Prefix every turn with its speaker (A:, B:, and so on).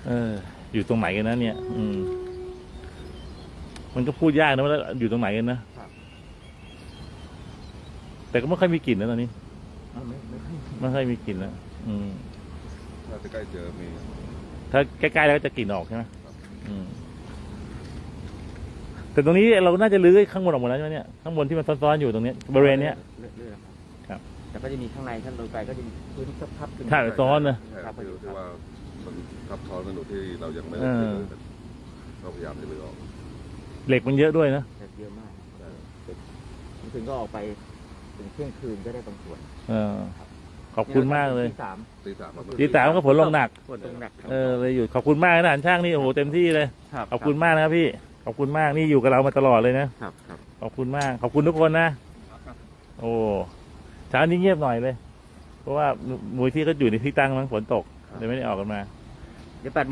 A: อยู่ตรงไหนกันนะเนี่ยมันก็พูดยากนะว่าอยู่ตรงไหนกันนะแต่ก็ไม่ค่อยมีกลิ่นนะตอนนี้ไม่ค่อยมีกลิ่นแล้ว
B: ถ้าใกล้เจอมี
A: ถ้าใกล้ๆแล้วก็จะกลิ่นออกใช่ไหมแต่ตรงนี้เราน่าจะลื้อข้างบนออกหมดแล้วใช่ไหมเนี่ยข้างบนที่มันซ้อนๆอยู่ตรงนี้บริเวณเนี้ยครับ
C: แต่ก็จะมีข้างในท่านลงไปก็จะมีพื้นทับ
A: ใช่ซ้อนนะ
B: ที่ว่ามันทับซ้อนกันอยู่ที่เรายังไม่ได้เราพยายามจะลื้อออก
A: เหล็กมันเยอะด้วยนะ
C: เยอะมากถึงก็ออกไปถึงเที่ยงคืนก็ได้บางส่วน
A: ขอบคุณมากเลย
B: ตีสาม
A: ก็ฝนลงหนักเลยอยู่ขอบคุณมากนะช่างนี่โอ้โหเต็มที่เลยขอบคุณมากนะครับพี่ขอบคุณมากนี่อยู่กับเรามาตลอดเลยนะขอบคุณมากขอบคุณทุกคนนะโอ้เช้านี้เงียบหน่อยเลยเพราะว่ามูลที่ก็อยู่ในที่ตั้งมั้งฝนตกเลยไม่ได้ออกกันมา
C: เดี๋ยว